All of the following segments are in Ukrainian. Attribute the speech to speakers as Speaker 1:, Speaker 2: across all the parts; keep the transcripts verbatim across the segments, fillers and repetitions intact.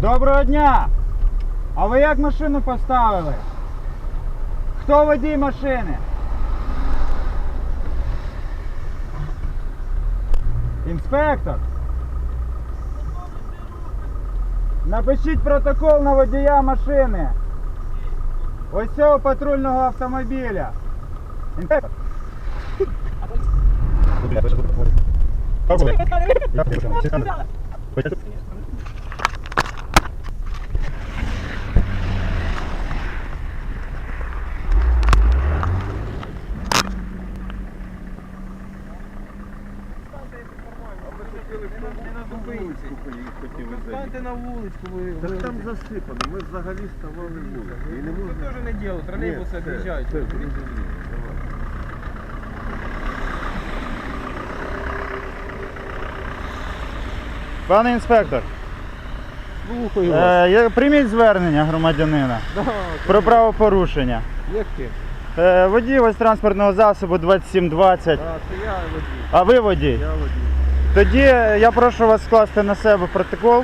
Speaker 1: Доброго дня! А ви як машину поставили? Хто водій машини? Інспектор? Напишіть протокол на водія машини. Ось цього патрульного автомобіля. Інспектор?
Speaker 2: Станьте на вуличку, ви...
Speaker 3: Так там засипано, ми взагалі ставали вулицю. І не
Speaker 2: Це
Speaker 3: можна...
Speaker 2: теж не діло, тролейбуси об'їжджають.
Speaker 3: Це, це, зрозуміло, давай.
Speaker 1: Пане інспектор,
Speaker 2: Слухаю
Speaker 1: е, я- прийміть звернення громадянина
Speaker 2: Да,
Speaker 1: про правопорушення.
Speaker 2: Яке?
Speaker 1: Е, водій ось транспортного засобу двадцять сім двадцять.
Speaker 2: А, це я водій.
Speaker 1: А ви водій?
Speaker 3: Я водій.
Speaker 1: Тоді я прошу вас скласти на себе протокол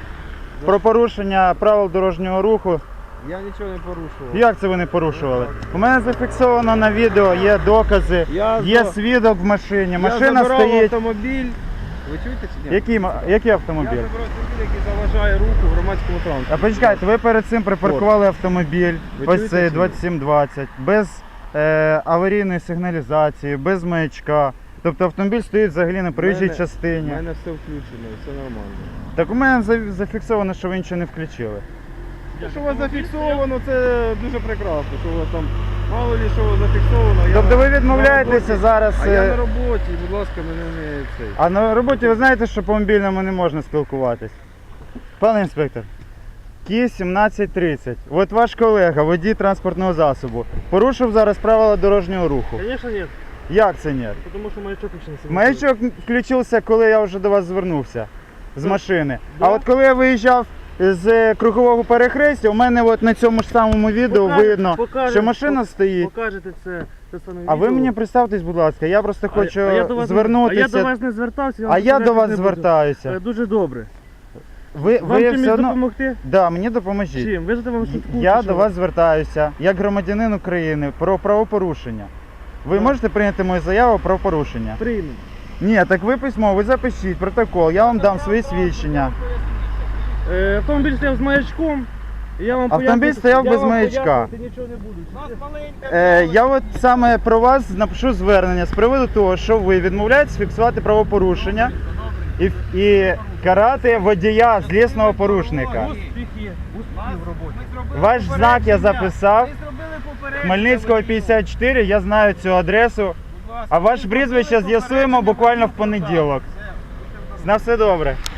Speaker 1: про порушення правил дорожнього руху.
Speaker 2: Я нічого не порушував.
Speaker 1: Як це ви не порушували? У мене зафіксовано на відео, є докази,
Speaker 2: Я
Speaker 1: є
Speaker 2: за-
Speaker 1: свідок в машині,
Speaker 2: Я
Speaker 1: машина
Speaker 2: забирав
Speaker 1: стоїть.
Speaker 2: автомобіль. Ви чуєте чи ні?
Speaker 1: Який, ма- який
Speaker 2: Я
Speaker 1: автомобіль?
Speaker 2: забирав автомобіль, який заважає руху в громадському
Speaker 1: А
Speaker 2: транспорті.
Speaker 1: почекайте, ви перед цим припаркували автомобіль,
Speaker 2: Ви
Speaker 1: ось
Speaker 2: чуєте
Speaker 1: цей
Speaker 2: чи ні?
Speaker 1: двадцять сім двадцять, без е, аварійної сигналізації, без маячка. Тобто автомобіль стоїть взагалі на проїжджій
Speaker 2: Мене- У
Speaker 1: частині.
Speaker 2: мене все включено, все нормально.
Speaker 1: Так у мене за- зафіксовано, що ви нічого не включили.
Speaker 2: Те, що у вас зафіксовано, це дуже прекрасно, що у вас там мало ли що зафіксовано. Я
Speaker 1: Тобто ви
Speaker 2: на
Speaker 1: відмовляєтеся
Speaker 2: роботі.
Speaker 1: зараз.
Speaker 2: А я
Speaker 1: е,
Speaker 2: на роботі, будь ласка, мене не цей.
Speaker 1: А на роботі ви знаєте, що по мобільному не можна спілкуватись? Пане інспектор, Кі сімнадцять тридцять. От ваш колега, водій транспортного засобу, порушив зараз правила дорожнього руху.
Speaker 4: Конечно нет,
Speaker 1: Як це ні?
Speaker 4: потому что маячок включился.
Speaker 1: Маячок включився, коли я вже до вас звернувся з
Speaker 4: Так.
Speaker 1: машини.
Speaker 4: Да.
Speaker 1: А от коли я виїжджав з кругового перехрестя, у мене от на цьому ж самому відео
Speaker 4: Покажете,
Speaker 1: видно,
Speaker 4: покажете,
Speaker 1: що машина
Speaker 4: пок-
Speaker 1: стоїть.
Speaker 4: Покажете це, це саме
Speaker 1: А ви
Speaker 4: відео.
Speaker 1: мені представтесь, будь ласка, я просто
Speaker 4: А-
Speaker 1: хочу
Speaker 4: а я до вас не-
Speaker 1: звернутися.
Speaker 4: А я до вас не звертався.
Speaker 1: А я до вас
Speaker 4: не буду.
Speaker 1: звертаюся.
Speaker 4: Е, Дуже добре.
Speaker 1: Ви,
Speaker 4: Вам
Speaker 1: ви
Speaker 4: чимось
Speaker 1: все одно...
Speaker 4: допомогти?
Speaker 1: Да, мені допоможіть.
Speaker 4: Чим? Вижити вам швидку?
Speaker 1: Я
Speaker 4: чи
Speaker 1: до
Speaker 4: що?
Speaker 1: вас звертаюся, як громадянин України, про правопорушення. Ви
Speaker 4: Так.
Speaker 1: можете прийняти мою заяву про порушення?
Speaker 4: Приймемо.
Speaker 1: Ні, так ви письмо, ви запишіть протокол, я вам дам свої свідчення.
Speaker 4: Е, Автомобіль стояв з маячком. і Я вам
Speaker 1: Автомобіль
Speaker 4: поясню-
Speaker 1: стояв
Speaker 4: я
Speaker 1: без
Speaker 4: вам
Speaker 1: маячка.
Speaker 4: пояснювати нічого не буду.
Speaker 1: Е, я от саме про вас напишу звернення з приводу того, що ви відмовляєтесь фіксувати правопорушення і, і карати водія злісного порушника.
Speaker 4: Успіхи. Успіхи в роботі.
Speaker 1: Ваш знак я записав. Хмельницького п'ятдесят чотири, я знаю цю адресу. А ваше прізвище з'ясуємо буквально в понеділок. На все добре.